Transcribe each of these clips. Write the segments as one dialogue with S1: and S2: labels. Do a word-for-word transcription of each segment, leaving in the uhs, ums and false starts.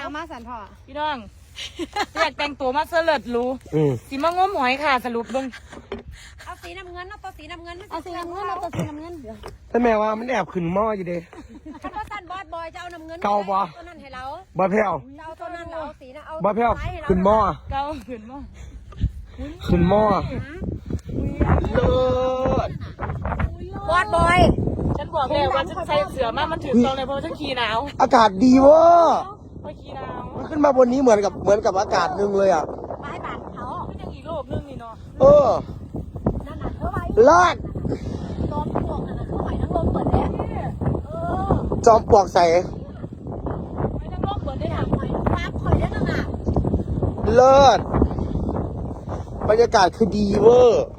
S1: มาสันพ่อ
S2: พี่น้องอยากแต่งตัวมาเสลิดรู้สีมะง้มหอยค่ะสรุปเบิ้ง
S1: เอาสีน้ำเงินเอาตัวสีน้ำเงินเอาสีน้ำเงินเอาตัวสีน้ำเงินเดี๋ยว
S3: ถ้าแม่ว่ามันแอบขึ้นหม้ออยู่เด้
S1: คันว่าสั้นบอสบอยจะเอาน้ำเงิน
S3: เก่าบ่
S1: ตัวนั้นให้เรา
S3: บ่แพ้ว
S1: จะเอาตัวนั้นเราเอาสีนะเอา
S3: บ่แพ้วขึ้นหม้อ
S2: เก่าขึ้นหม้อ
S3: ขึ้นหม้อเลิศ
S1: บอสบอย
S2: ฉันบอกแล้วว่าฉันใส่เสื้อมามันถึงตรงเลยเพราะฉันขี่หนาว
S3: อากาศดีเวอร์
S2: เพราะขี่หนาว
S3: มันขึ้นมาบนนี้เหมือนกับเหมือนกับอากาศนึงเลยอ่ะ
S1: ไม้บานเขา
S2: เป็นอย่างอีกโลกนึงนี่เนาะ
S3: เออ
S1: นั่นน่ะเธอไว้
S3: ลาด
S1: จอมปลวกนั่นน่ะเธอไว้ทั้งลมเปิดแล้วเออ
S3: จอมปลวกใส่
S2: ไม่ทั้งโลกเปิดได้หรอ
S1: หอยฟ้าข่อยได้นั่นน่ะ
S3: เลิศบรรยากาศคือดีเวอร์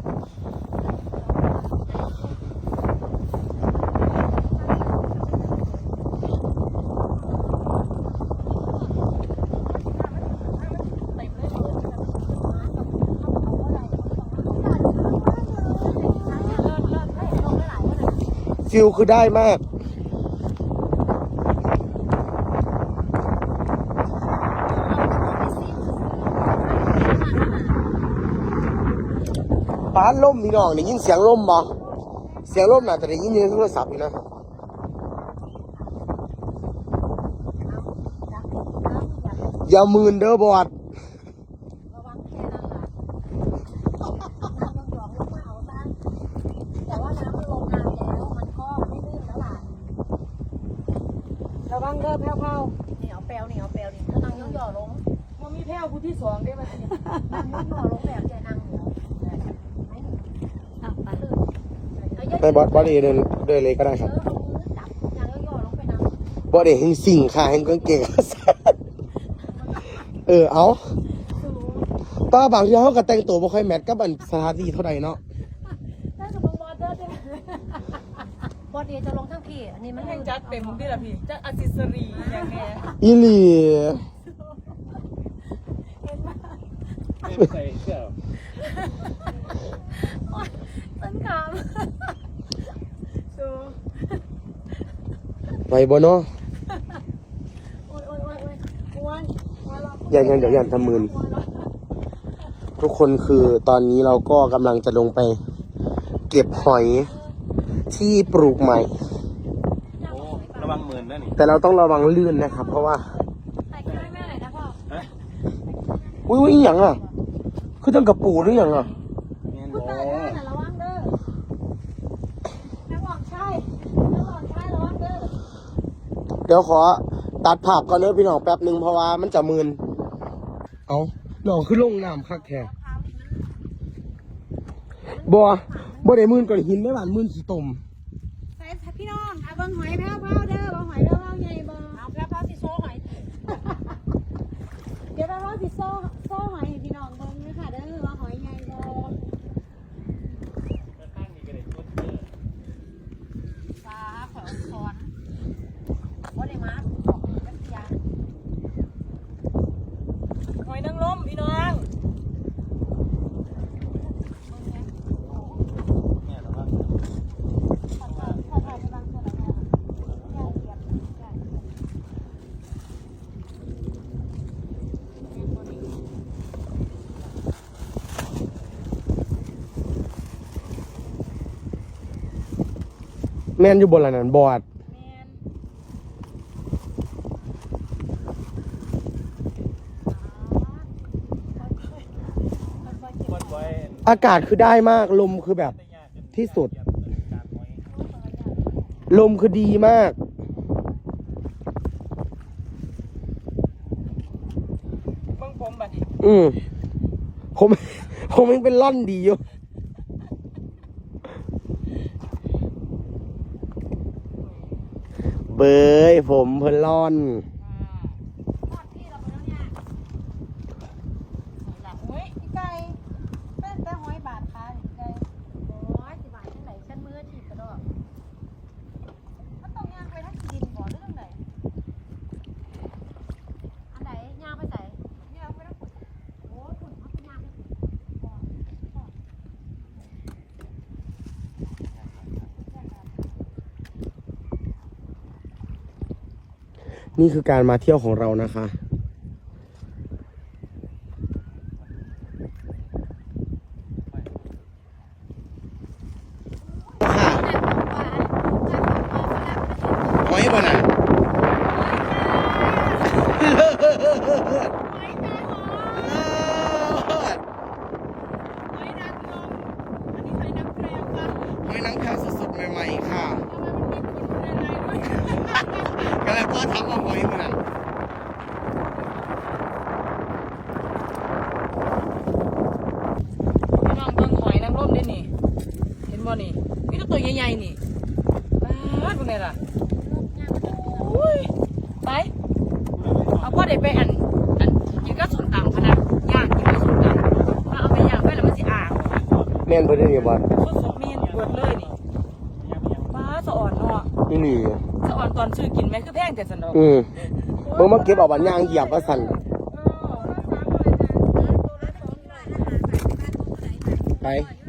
S3: ฟิลคือได้มากป้าล่มพี่น้องได้ยินเสียงล่มบ่เสียงล่มน่าจะได้ยินในโทรศัพท์อยู่นะอย่ามืนเด้อบอด
S1: ระวังแค่นั้นล่ะน้ำต้องหยอกลงมาเอาซะแต่ว่าน้ำมันลงน้ำแล้วมันก็ไม่ลื่นแล้วล่ะ
S2: ระวังเด้อแพ้วเผา
S1: เหนียวแปลวเหนียวแปลวนี่ถ้านั่งย่อๆลง
S2: มันมีแพ้วผู้ที่สองได้ไหม
S1: นั่งย่อๆลงแบบจะนั่งเหนียว
S3: ไปบอสบอสเดินเดินเลยก็ได้ครับ
S1: จับนั่งย่อๆลงไปนั่ง
S3: บอสเดินแห่งสิ่งค่ะแห่งกางเกงขาสั้นเออเอาป้าบางทีเขาก็แต่งตัวไม่ค่อยแมทกับสถานที่เท่าไหร่เนาะ
S1: ได้กับบอสเด้อใช่ไหมบอสเดียจะลงทั้งพี่อันนี้มัน
S2: แห่งจัดเต็มที่ละพี่จัดอัซิสรีอย่างเงี้ย
S3: อีหลี
S2: ไม่ใส่เสื้อ
S1: ต้นขาม
S3: ไปบ่เนาะยันยันเดี๋ยวยันทำมืนทุกคนคือตอนนี้เราก็กำลังจะลงไปเก็บหอยที่ปลูกใหม่
S4: ระวังมืนนะนี่
S3: แต่เราต้องระวังลื่นนะครับเพราะว่า
S1: ใส่แค่แม่ไหนนะพ่อ
S3: อุ้ยอุ้ยอีหยังอ่ะคือต้องกระปูหรือยังอ่ะ
S1: คุณตาเด้อน่ะระวังเด้อน้ำหอมใช่น้ำหอมใช่ระวังเด้อ
S3: เดี๋ยวขอตัดภาพก่อนเด้อพี่น้องแป๊บหนึ่งเพราะว่ามันจะมืนเอาน้องขึ้นลงน้ำคักแท้บัวบัวได้มืนก่อนหินได้หวานมืนขี้ตุ่ม
S1: ใส่พี่น้องเอาบังหอยแพ้วๆเด้อบังหอยแพ้วๆใหญ่บ่เอาแพ้วๆสิโซ่หอยเดี๋ยวแพ้วๆสิโซ่โซ่หอยพี่น้องเบิ่งด้วยค่ะเด้อว่าหอยใหญ่บ่ปลาขอคอนบ่ได้มาบอกกันยา
S2: หอยนางรมพี่น้อง
S3: แม่นอยู่บนหลังนั้นบอดอากาศคือได้มากลมคือแบบที่สุดลมคือดีมาก
S2: เบิ่งผมบัดนี้
S3: อืมผมผมยังเป็นล่อนดีอยู่เบยผมเพิ่นล่อนนี่คือการมาเที่ยวของเรานะคะหอยบ่น่ะหอยนางแพวสดๆใหม่ๆค่ะก็เลยพ่อทำมาหอยมันน่ะ
S2: พี่น้องเบิ่งหอยนางรมได้นี่ เห็นบ่นี่มีแต่ตัวใหญ่ๆนี่ป๊าดพวกนี้ล่ะอุ้ยไปเอาพ่อเด็กไปอันอันกินก็ส้มตำพะนะย่างกินก็ส้มตำถ้าเอาไปย่างไปแล้วมันสิอ่าง
S3: แม่นเพิ่นได้เนี่ยบ่
S2: สดๆมีนเบิดเลยนี่ป้าสะอ่อนเนาะ
S3: นี่นี่
S2: สะอ่อนตอนซื้อกินไหมคือแพงแต่สนุก
S3: อืมเบิ่งมาเก็บเอาบันยางเหยียบว่าสั่นไป